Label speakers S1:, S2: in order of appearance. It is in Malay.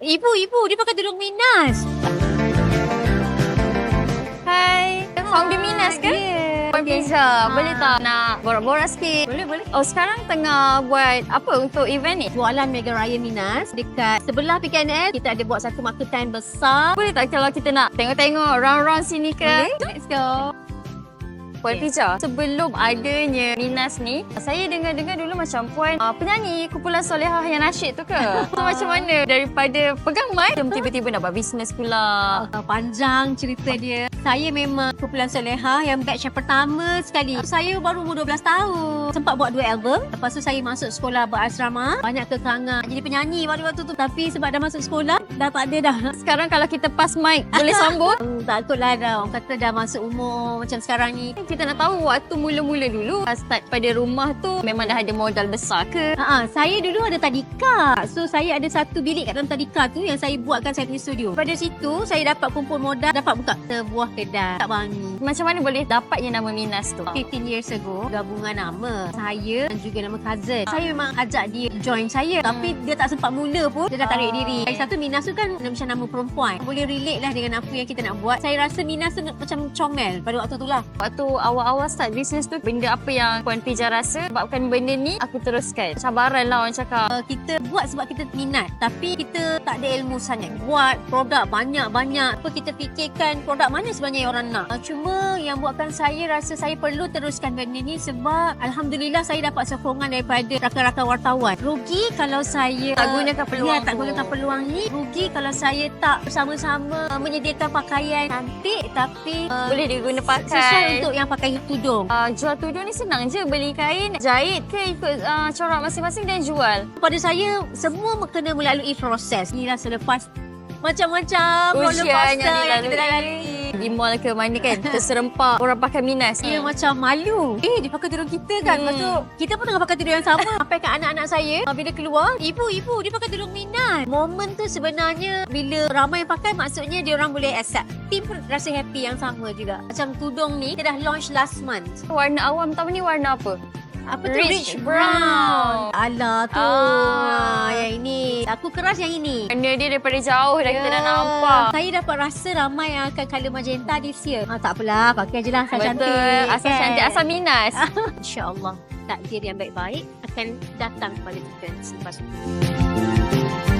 S1: Ibu, dia pakai tudung Minas.
S2: Hai, founder Minas ke? Puan Pizza. Boleh tak nak borak-borak sikit?
S1: Boleh.
S2: Oh, sekarang tengah buat apa untuk event ni?
S1: Jualan Mega Raya Minas dekat sebelah PKNS. Kita ada buat satu market time besar.
S2: Boleh tak kalau kita nak tengok-tengok round-round sini ke?
S1: Boleh.
S2: Let's go. Puan Pizza, sebelum adanya Minas ni, saya dengar-dengar dulu macam Puan penyanyi kumpulan Solehah yang nasyid tu ke? So macam mana daripada pegang mic, tiba-tiba nak buat bisnes pula?
S1: Panjang cerita dia. Saya memang kumpulan Solehah yang batch yang pertama sekali. Saya baru umur 12 tahun. Sempat buat 2 album. Lepas tu saya masuk sekolah berasrama. Banyak kekangan jadi penyanyi waktu tu. Tapi sebab dah masuk sekolah, dah tak ada dah.
S2: Sekarang kalau kita pass mic, boleh sambut?
S1: Takutlah dah. Orang kata dah masuk umur macam sekarang ni.
S2: Kita nak tahu waktu mula-mula dulu, start pada rumah tu memang dah ada modal besar ke?
S1: Saya dulu ada tadika. So saya ada satu bilik kat dalam tadika tu yang saya buatkan saya punya studio. Pada situ saya dapat kumpul modal, dapat buka sebuah kedai tak wangi.
S2: Macam mana boleh dapatnya nama Minas tu?
S1: 15 years ago, gabungan nama saya dan juga nama cousin. Saya memang ajak dia join saya. Tapi dia tak sempat mula pun, dia dah tarik diri. Satu Minas tu kan macam nama perempuan. Boleh relate lah dengan apa yang kita nak buat. Saya rasa Minas tu macam comel pada waktu tu lah.
S2: Waktu awal-awal start bisnes tu, benda apa yang Puan Pizza rasa sebabkan benda ni aku teruskan? Cabaran lah orang cakap.
S1: Kita buat sebab kita minat, tapi kita tak ada ilmu sangat. Buat produk banyak-banyak. Apa kita fikirkan produk mana sebenarnya yang orang nak. Cuma yang buatkan saya rasa saya perlu teruskan benda ni sebab Alhamdulillah saya dapat sokongan daripada rakan-rakan wartawan. Rugi kalau saya
S2: tak gunakan peluang
S1: tak gunakan peluang ni. Rugi kalau saya tak bersama-sama menyediakan pakaian cantik tapi
S2: boleh diguna pakai.
S1: Sesuai untuk yang pakai tudung.
S2: Jual tudung ni senang je, beli kain, jahit ke ikut corak masing-masing dan jual.
S1: Pada saya semua kena melalui proses. Inilah selepas macam-macam roller
S2: ujian
S1: coaster yang kita dah
S2: dilalui. Di mall ke mana kan, terserempak orang pakai Minas.
S1: Dia macam malu. Dia pakai tudung kita kan. Lepas tu kita pun tengah pakai tudung yang sama. Sampai kat anak-anak saya bila keluar, ibu dia pakai tudung Minas. Momen tu sebenarnya bila ramai yang pakai, maksudnya dia orang boleh accept. Tim pun rasa happy yang sama juga. Macam tudung ni kita dah launch last month.
S2: Warna awam tahu ni warna apa?
S1: Apa tu?
S2: Rich brown.
S1: Alah tu. Yang ini. Aku keras yang ini.
S2: Warna dia daripada jauh dah kita dah nampak.
S1: Saya dapat rasa ramai yang akan colour magenta this year. Tak apalah, pakai je lah asal
S2: Betul.
S1: cantik.
S2: Asal cantik, asal Minas.
S1: InsyaAllah takdir yang baik-baik akan datang kepada kita selepas itu.